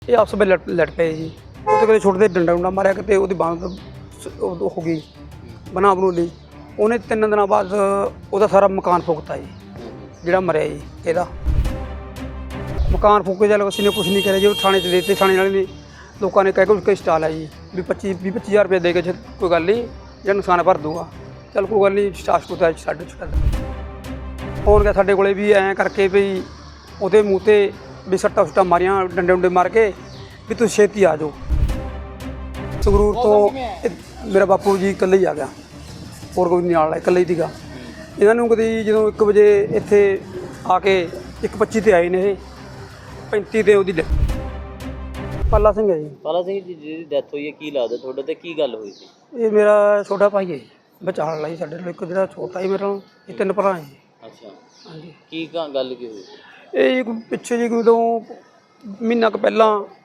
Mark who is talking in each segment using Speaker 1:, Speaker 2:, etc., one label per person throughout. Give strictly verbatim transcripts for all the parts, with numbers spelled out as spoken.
Speaker 1: ਇਹ ਆਪਸ ਵਿੱਚ ਲੜ ਲੜ ਪਏ ਜੀ। ਉਹ ਤੇ ਕਦੇ ਛੁੱਟਦੇ ਡੰਡਾ ਡੁੰਡਾ ਮਾਰਿਆ, ਕਿਤੇ ਉਹਦੀ ਬਾਂਹ ਹੋ ਗਈ ਬਣਾ ਬਣੂ ਲਈ। ਉਹਨੇ ਤਿੰਨ ਦਿਨਾਂ ਬਾਅਦ ਉਹਦਾ ਸਾਰਾ ਮਕਾਨ ਫੂਕਤਾ ਜੀ, ਜਿਹੜਾ ਮਰਿਆ ਜੀ ਇਹਦਾ ਮਕਾਨ ਫੂਕੇ। ਚੱਲ ਅਸੀਂ ਨੇ ਕੁਛ ਨਹੀਂ ਕਰਿਆ ਜੀ, ਉਹ ਥਾਣੇ 'ਚ ਦੇ ਦਿੱਤੇ। ਥਾਣੇ ਵਾਲੇ ਨੇ ਲੋਕਾਂ ਨੇ ਕਹਿ ਕੇ ਉਸਕੇ ਸਟਾਲ ਹੈ ਜੀ ਵੀ ਪੱਚੀ ਵੀਹ ਪੱਚੀ ਹਜ਼ਾਰ ਰੁਪਏ ਦੇ ਕੇ ਕੋਈ ਗੱਲ ਨਹੀਂ, ਜਿਹੜਾ ਨੁਕਸਾਨ ਭਰ ਦੂਗਾ। ਚੱਲ ਕੋਈ ਗੱਲ ਨਹੀਂ, ਸਟਾਫ ਸਟੂਤਾ ਛੱਡ ਛੱਡ ਫੋਨ ਗਿਆ ਸਾਡੇ ਕੋਲੇ ਵੀ ਐਂ ਕਰਕੇ ਵੀ ਉਹਦੇ ਮੂੰਹ 'ਤੇ ਵੀ ਸੱਟਾਂ ਸੁੱਟਾਂ ਮਾਰੀਆਂ, ਡੰਡੇ ਡੁੰਡੇ ਮਾਰ ਕੇ ਵੀ ਤੁਸੀਂ ਛੇਤੀ ਆ ਜਾਓ। ਸੰਗਰੂਰ ਤੋਂ ਮੇਰਾ ਬਾਪੂ ਜੀ ਇਕੱਲੇ ਹੀ ਆ ਗਿਆ, ਹੋਰ ਕੋਈ ਨਹੀਂ ਨਾਲ, ਇਕੱਲੇ ਹੀ ਸੀਗਾ। ਇਹਨਾਂ ਨੂੰ ਕਦੀ ਜਦੋਂ ਇੱਕ ਵਜੇ ਇੱਥੇ ਆ ਕੇ ਇੱਕ ਪੱਚੀ 'ਤੇ ਆਏ ਨੇ, ਇਹ ਪੈਂਤੀ 'ਤੇ ਉਹਦੀ ਪਾਲਾ ਸਿੰਘ ਹੈ ਜੀ।
Speaker 2: ਪਾਲਾ ਸਿੰਘ ਜੀ ਜਿਹਦੀ ਡੈਥ ਹੋਈ ਹੈ, ਕੀ ਲੱਗਦਾ ਤੁਹਾਡੇ ਤੇ ਕੀ ਗੱਲ ਹੋਈ ਸੀ?
Speaker 1: ਇਹ ਮੇਰਾ ਛੋਟਾ ਭਾਈ ਹੈ ਜੀ, ਬਚਾਉਣ ਵਾਲਾ ਜੀ ਸਾਡੇ ਨਾਲ। ਇੱਕ ਜਿਹੜਾ ਛੋਟਾ ਜੀ ਮੇਰੇ ਨਾਲ, ਇਹ ਤਿੰਨ ਭਰਾ ਹੈ ਜੀ।
Speaker 2: ਅੱਛਾ,
Speaker 1: ਹਾਂਜੀ। ਕੀ
Speaker 2: ਗੱਲ ਕੀ ਹੋਈ?
Speaker 1: ਇਹ ਜੀ ਪਿੱਛੇ ਜੀ ਕੋਈ ਤੋਂ ਮਹੀਨਾ ਕੁ ਪਹਿਲਾਂ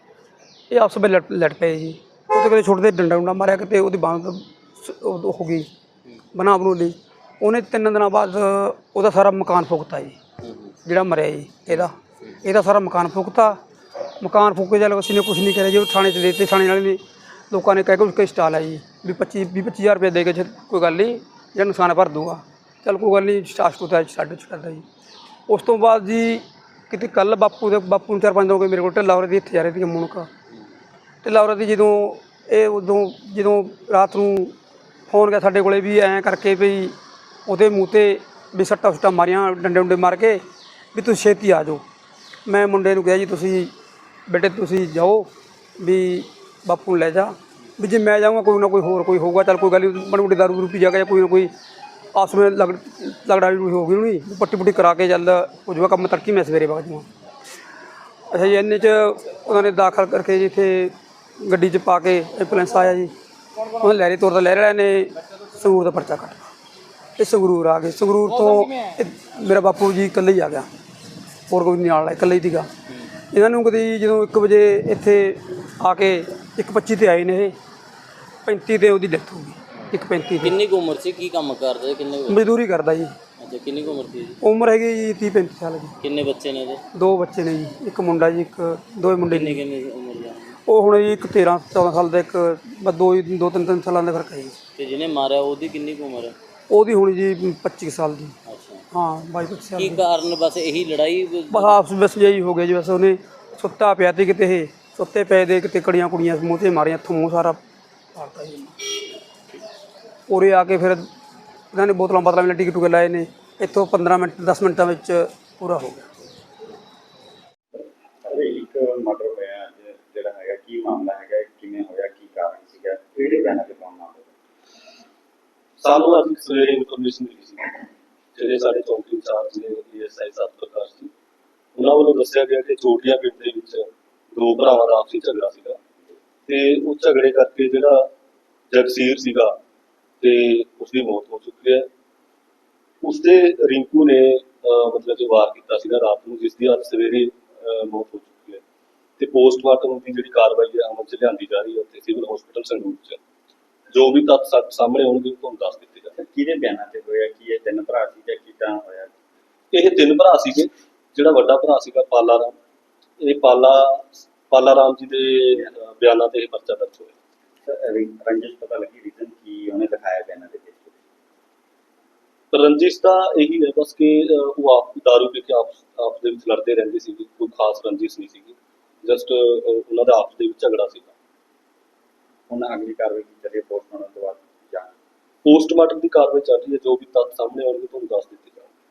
Speaker 1: ਇਹ ਆਪਸ ਵਿੱਚ ਲੜ ਲੜ ਪਏ ਜੀ। ਉਹ ਤੇ ਕਦੇ ਛੁੱਟਦੇ ਡੰਡਾ ਡੁੰਡਾ ਮਾਰਿਆ, ਕਿਤੇ ਉਹਦੀ ਬਾਂਹ ਹੋ ਗਈ ਬਣਾ ਬਣੂ ਲਈ। ਉਹਨੇ ਤਿੰਨ ਦਿਨਾਂ ਬਾਅਦ ਉਹਦਾ ਸਾਰਾ ਮਕਾਨ ਫੂਕਤਾ ਜੀ, ਜਿਹੜਾ ਮਰਿਆ ਜੀ ਇਹਦਾ ਇਹਦਾ ਸਾਰਾ ਮਕਾਨ ਫੂਕਤਾ। ਮਕਾਨ ਫੂਕੇ ਚੱਲ ਅਸੀਂ ਨੇ ਕੁਛ ਨਹੀਂ ਕਰਿਆ ਜੀ, ਉਹ ਥਾਣੇ 'ਚ ਦੇ ਦਿੱਤੇ। ਥਾਣੇ ਵਾਲੇ ਨੇ ਲੋਕਾਂ ਨੇ ਕਹਿ ਕੇ ਉਸਕੇ ਸਟਾਲ ਹੈ ਜੀ ਵੀ ਪੱਚੀ ਵੀਹ ਪੱਚੀ ਹਜ਼ਾਰ ਰੁਪਏ ਦੇ ਕੇ ਕੋਈ ਗੱਲ ਨਹੀਂ, ਜਿਹੜਾ ਨੁਕਸਾਨ ਭਰ ਦੂਗਾ। ਚੱਲ ਕੋਈ ਗੱਲ ਨਹੀਂ, ਸਟਾਫ ਸਟੂਤਾ ਛੱਡ ਛੱਡਦਾ ਜੀ। ਉਸ ਤੋਂ ਬਾਅਦ ਜੀ ਕਿਤੇ ਕੱਲ੍ਹ ਬਾਪੂ ਦੇ ਬਾਪੂ ਨੂੰ ਚਾਰ ਪੰਜ ਦਿਨ ਹੋ ਗਏ ਮੇਰੇ ਕੋਲ ਢਿੱਲਾ ਔਰਤ ਦੀ ਇੱਥੇ ਜਾ ਰਹੀ ਸੀ ਮੁਣਕਾ। ਢਿੱਲਾ ਔਰਤ ਦੀ ਜਦੋਂ ਇਹ ਉਦੋਂ ਜਦੋਂ ਰਾਤ ਨੂੰ ਫੋਨ ਗਿਆ ਸਾਡੇ ਕੋਲੇ ਵੀ ਐਂ ਕਰਕੇ ਵੀ ਉਹਦੇ ਮੂੰਹ 'ਤੇ ਵੀ ਸੱਟਾਂ ਸੁੱਟਾਂ ਮਾਰੀਆਂ, ਡੰਡੇ ਡੁੰਡੇ ਮਾਰ ਕੇ ਵੀ ਤੁਸੀਂ ਛੇਤੀ ਆ ਜਾਓ। ਮੈਂ ਮੁੰਡੇ ਨੂੰ ਕਿਹਾ ਜੀ ਤੁਸੀਂ ਬੇਟੇ ਤੁਸੀਂ ਜਾਓ ਵੀ ਬਾਪੂ ਨੂੰ ਲੈ ਜਾ, ਵੀ ਜੇ ਮੈਂ ਜਾਊਂਗਾ ਕੋਈ ਨਾ ਕੋਈ ਹੋਰ ਕੋਈ ਹੋਊਗਾ। ਚੱਲ ਕੋਈ ਗੱਲ ਨਹੀਂ, ਮਾੜੀ ਮੋਟੀ ਦਾਰੂ ਦੂਰੂ ਪੀ ਜਾ ਕੇ ਕੋਈ ਨਾ ਕੋਈ ਆਪਸ ਵਿੱਚ ਲਗ ਲਗੜਾ ਵੀ ਹੋ ਗਈ ਨਹੀਂ, ਪੱਟੀ ਪੁੱਟੀ ਕਰਾ ਕੇ ਚੱਲ ਹੋ ਜਾਊਗਾ ਕੰਮ। ਤੜਕੀ ਮੈਂ ਸਵੇਰੇ ਵਗ ਜਾਵਾਂ। ਅੱਛਾ ਜੀ, ਇੰਨੇ 'ਚ ਉਹਨਾਂ ਨੇ ਦਾਖਲ ਕਰਕੇ ਜੀ ਇੱਥੇ ਗੱਡੀ 'ਚ ਪਾ ਕੇ ਐਂਬੂਲੈਂਸ ਆਇਆ ਜੀ। ਉਹਨਾਂ ਲਹਿਰੇ ਤੋਰ ਦਾ ਲਹਿਰੇ ਵਾਲਿਆਂ ਨੇ ਸੰਗਰੂਰ ਦਾ ਪਰਚਾ ਕੱਟ ਇਹ ਸੰਗਰੂਰ ਆ ਗਏ। ਸੰਗਰੂਰ ਤੋਂ ਮੇਰਾ ਬਾਪੂ ਜੀ ਇਕੱਲੇ ਹੀ ਆ ਗਿਆ, ਹੋਰ ਕੋਈ ਨਹੀਂ ਨਾਲ, ਇਕੱਲੇ ਹੀ ਸੀਗਾ। ਇਹਨਾਂ ਨੂੰ ਕਦੀ ਜਦੋਂ ਇੱਕ ਵਜੇ ਇੱਥੇ ਆ ਕੇ ਇੱਕ ਪੱਚੀ 'ਤੇ ਆਏ ਨੇ, ਇਹ ਪੈਂਤੀ 'ਤੇ ਉਹਦੀ ਡੈਥ ਹੋ ਗਈ। ਇੱਕ ਪੈਂਤੀ।
Speaker 2: ਕਿੰਨੀ ਕੁ ਉਮਰ ਸੀ? ਕੀ ਕੰਮ ਕਰਦਾ? ਕਿੰਨੇ
Speaker 1: ਮਜ਼ਦੂਰੀ ਕਰਦਾ ਜੀ।
Speaker 2: ਅੱਛਾ, ਕਿੰਨੀ ਕੁ ਉਮਰ ਸੀ ਜੀ?
Speaker 1: ਉਮਰ ਹੈਗੀ ਜੀ ਤੀਹ ਪੈਂਤੀ ਸਾਲ ਜੀ।
Speaker 2: ਕਿੰਨੇ ਬੱਚੇ ਨੇ ਇਹਦੇ?
Speaker 1: ਦੋ ਬੱਚੇ ਨੇ ਜੀ, ਇੱਕ ਮੁੰਡਾ ਜੀ, ਇੱਕ ਦੋਵੇਂ ਮੁੰਡੇ
Speaker 2: ਕਿੰਨੇ
Speaker 1: ਨੇ।
Speaker 2: ਕਿੰਨੇ ਉਮਰ ਦਾ?
Speaker 1: ਉਹ ਹੁਣ ਜੀ ਇੱਕ ਤੇਰ੍ਹਾਂ ਚੌਦ੍ਹਾਂ ਸਾਲ ਦਾ, ਇੱਕ ਬਸ ਦੋ ਦੋ ਤਿੰਨ ਤਿੰਨ ਸਾਲਾਂ ਦਾ ਫਰਕ ਹੈ ਜੀ।
Speaker 2: ਤੇ ਜਿਹਨੇ ਮਾਰਿਆ ਉਹਦੀ ਕਿੰਨੀ ਕੁ ਉਮਰ ਹੈ?
Speaker 1: ਉਹਦੀ ਹੁਣ ਜੀ ਪੱਚੀ ਸਾਲ ਦੀ।
Speaker 2: ਅੱਛਾ,
Speaker 1: ਹਾਂ ਬਾਈ ਪੱਚੀ ਸਾਲ
Speaker 2: ਕੀ
Speaker 1: ਦੀ।
Speaker 2: ਕਾਰਨ? ਬਸ ਇਹੀ ਲੜਾਈ?
Speaker 1: ਬਸ ਆਪਸ ਵਿੱਚ ਜਿਹੀ ਹੋ ਗਿਆ ਜੀ। ਬਸ ਉਹਨੇ ਸੁੱਤਾ ਪਿਆ ਤੇ ਕਿਤੇ ਇਹ ਸੁੱਤੇ ਪਏ ਦੇ ਕਿਤੇ ਕੜੀਆਂ ਕੁੜੀਆਂ ਮੂੰਹ 'ਤੇ ਮਾਰੀਆਂ, ਇੱਥੋਂ ਮੂੰਹ ਸਾਰਾ ਪਾੜਤਾ ਜੀ। ਉਰੇ ਆ ਕੇ ਫਿਰ ਇਹਨਾਂ ਨੇ ਬੋਤਲਾਂ ਬਾਤਲਾਂ ਵੀ ਟਿਕਟ ਟੁਕੇ ਲਾਏ ਨੇ। ਇੱਥੋਂ ਪੰਦਰਾਂ ਮਿੰਟ ਦਸ ਮਿੰਟਾਂ ਵਿੱਚ ਪੂਰਾ ਹੋ ਗਿਆ।
Speaker 3: ਇੱਕ ਮਰਡਰ ਹੋਇਆ ਅੱਜ, ਜਿਹੜਾ ਹੈਗਾ ਕੀ ਮਾਮਲਾ ਹੈਗਾ, ਕਿਵੇਂ ਹੋਇਆ, ਕੀ ਕਾਰਨ ਸੀਗਾ, ਕਿਹੜੇ ਬਿਆਨਾਂ ਤੇ ਕੌਣ ਮਾਮਲਾ?
Speaker 4: ਸਾਨੂੰ ਅੱਜ ਸਵੇਰੇ ਇਨਫੋਰਮੇਸ਼ਨ ਮਿਲੀ ਸੀ, ਜਿਹੜੇ ਸਾਡੇ ਚੌਂਕੀ ਇੰਚਾਰਜ ਨੇ ਏਐਸਆਈ ਸਤ ਪ੍ਰਕਾਸ਼ ਜੀ, ਉਹਨਾਂ ਵੱਲੋਂ ਦੱਸਿਆ ਗਿਆ ਕਿ ਚੋਟੀਆਂ ਪਿੰਡ ਦੇ ਵਿੱਚ ਦੋ ਭਰਾਵਾਂ ਦਾ ਆਪਸੀ ਝਗੜਾ ਸੀਗਾ ਤੇ ਉਹ ਝਗੜੇ ਕਰਕੇ ਜਿਹੜਾ ਜਗਸੀਰ ਸੀਗਾ ਤੇ ਉਸਦੀ ਮੌਤ ਹੋ ਚੁੱਕੀ ਹੈ। ਉਸਦੇ ਰਿੰਕੂ ਨੇ ਮਤਲਬ ਜੋ ਵਾਰ ਕੀਤਾ ਸੀਗਾ ਰਾਤ ਨੂੰ, ਜਿਸ ਦੀ ਅੱਜ ਸਵੇਰੇ ਮੌਤ ਹੋ ਚੁੱਕੀ ਹੈ ਤੇ ਪੋਸਟਮਾਰਟਮ ਦੀ ਜਿਹੜੀ ਕਾਰਵਾਈ ਹੈ ਅਮਲ 'ਚ ਲਿਆਂਦੀ ਜਾ ਰਹੀ ਹੈ ਉੱਥੇ ਸਿਵਲ ਹਸਪੀਟਲ ਸੰਗਰੂਰ 'ਚ। ਜੋ ਵੀ ਤੱਥ ਸਾਹਮਣੇ ਆਉਣਗੇ ਤੁਹਾਨੂੰ ਦੱਸ ਦਿੱਤੇ ਜਾਣਗੇ।
Speaker 3: ਕਿਹਦੇ ਬਿਆਨਾਂ ਤੇ ਹੋਇਆ, ਕੀ ਇਹ ਤਿੰਨ ਭਰਾ ਸੀ ਜਾਂ ਕਿੱਦਾਂ ਹੋਇਆ?
Speaker 4: ਇਹ ਤਿੰਨ ਭਰਾ ਸੀਗੇ। ਜਿਹੜਾ ਵੱਡਾ ਭਰਾ ਸੀਗਾ ਪਾਲਾ ਰਾਮ, ਇਹ ਪਾਲਾ ਪਾਲਾ ਰਾਮ ਜੀ ਦੇ ਬਿਆਨਾਂ ਤੇ ਇਹ ਪਰਚਾ ਦਰਜ ਹੋਇਆ।
Speaker 3: ਰੰਜਿਸ਼ ਪਤਾ ਲੱਗੀ, ਰੀਜ਼ਨ ਕੀ ਉਹਨੇ ਦਿਖਾਇਆ ਬਿਆਨਾਂ ਦੇ ਵਿੱਚ?
Speaker 4: ਰੰਜਿਸ਼ ਤਾਂ ਇਹੀ ਹੈ ਬਸ ਕਿ ਉਹ ਆਪ ਦਾਰੂ ਪੀ ਕੇ ਆਪਸ ਆਪਸ ਦੇ ਵਿੱਚ ਲੜਦੇ ਰਹਿੰਦੇ ਸੀਗੇ, ਕੋਈ ਖਾਸ ਰੰਜਿਸ਼ ਨਹੀਂ ਸੀਗੀ, ਜਸਟ ਉਹਨਾਂ ਦਾ ਆਪਸ ਦੇ ਵਿੱਚ ਝਗੜਾ ਸੀਗਾ।
Speaker 3: ਹੁਣ ਅਗਲੀ ਕਾਰਵਾਈ ਕੀ ਚੱਲੀ ਪੋਸਟਮਾਰਟਮ ਤੋਂ ਬਾਅਦ? ਜਾਂ
Speaker 4: ਪੋਸਟਮਾਰਟਮ ਦੀ ਕਾਰਵਾਈ ਚੱਲ ਰਹੀ ਹੈ, ਜੋ ਵੀ ਤੱਥ ਸਾਹਮਣੇ ਆਉਣਗੇ ਤੁਹਾਨੂੰ ਦੱਸ ਦਿੱਤੇ